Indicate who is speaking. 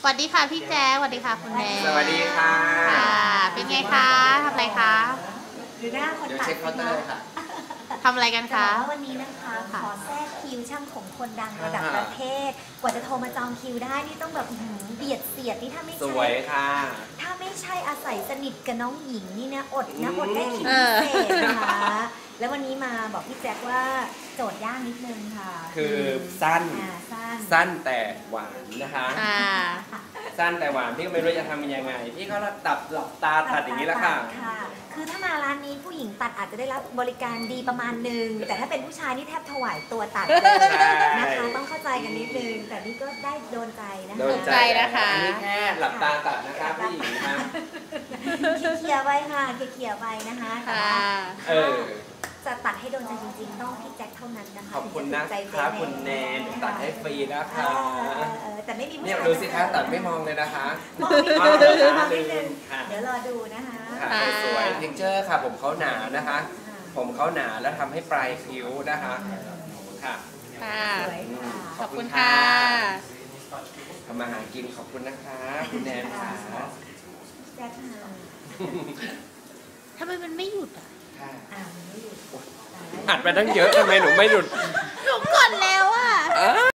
Speaker 1: วัสดีค่ะพี่แจ๊คสวัสดีค่ะคุณแนน
Speaker 2: สวัสดีค่ะ
Speaker 1: เป็นไงคะทำอะไรคะ
Speaker 3: หรือหน้าคน
Speaker 2: เดี๋ยว
Speaker 3: ตัด
Speaker 2: เช็คเคาน์เตอร์ค่ะ
Speaker 1: ทำอะไรกัน
Speaker 3: จะบ
Speaker 1: คะ
Speaker 3: อกว่าวันนี้นะคะขอแทรกคิวช่างผมคนดังระดับประเทศ กว่าจะโทรมาจองคิวได้นี่ต้องแบบเบียดเสียดนี่ถ้าไม่
Speaker 2: ส
Speaker 3: ใช่
Speaker 2: วยค่ะ
Speaker 3: ถ้าไม่ใช่อาศัยสนิทกับน้องหญิงนี่นะอดได้คิวพิเศษนะคะแล้ววันนี้มาบอกพี่แจ็คว่าโจทย์ยากนิดนึงค่ะ
Speaker 2: คือสั้น
Speaker 3: สั้น
Speaker 2: สั้นแต่หวานนะคะ สั้นแต่หวานพี่ก็ไม่รู้จะทำยังไง พี่ก็หลับตาตัดอย่างนี้แหละค่ะ
Speaker 3: คือถ้ามาร้านนี้ผู้หญิงตัดอาจจะได้รับบริการดีประมาณนึงแต่ถ้าเป็นผู้ชายนี่แทบถวายตัวตัดเลยนะคะต้องเข้าใจกันนิดนึงแต่นี่ก็ได้โดนใจนะคะ
Speaker 2: โดนใจนะคะ อันนี้แค่หลับตาตัดนะคะผู้หญิงนะ
Speaker 3: เคลียร์ไว้ค่ะเคลียร์ไว้นะคะจะตัดให้โดนใจจริงๆต้องพี่แจ็คเท่านั้นนะคะ
Speaker 2: ขอบคุณนะคะคุณแนนตัดให้ฟรีนะคะ
Speaker 3: แต่ไม่มีผู้
Speaker 2: เนี่ย
Speaker 3: ชาย
Speaker 2: ดูสิคะตัดไม่มองเลยนะคะ
Speaker 3: มองนิดนึงมองนิดนึง
Speaker 2: ค่ะ
Speaker 3: เดี๋ยวรอดูนะคะ
Speaker 2: สวยเท็กเจอร์ค่ะผมเขาหนานะคะ ผมเขาหนาแล้วทำให้ปลายคิ้วนะคะค่ะ
Speaker 3: สวยค่ะ
Speaker 1: ขอบคุณค่ะ
Speaker 2: ทำมาหากินขอบคุณนะคะคุณแนนค่ะ
Speaker 3: แจ็คค่ะ
Speaker 1: ทำไมมันไม่หยุดอ่ะ
Speaker 2: ค่ะ
Speaker 3: ไม่หยุด
Speaker 2: อัดไปตั้งเยอะทำไมหนูไม่หยุด
Speaker 1: หนูกดแล้วอ่ะ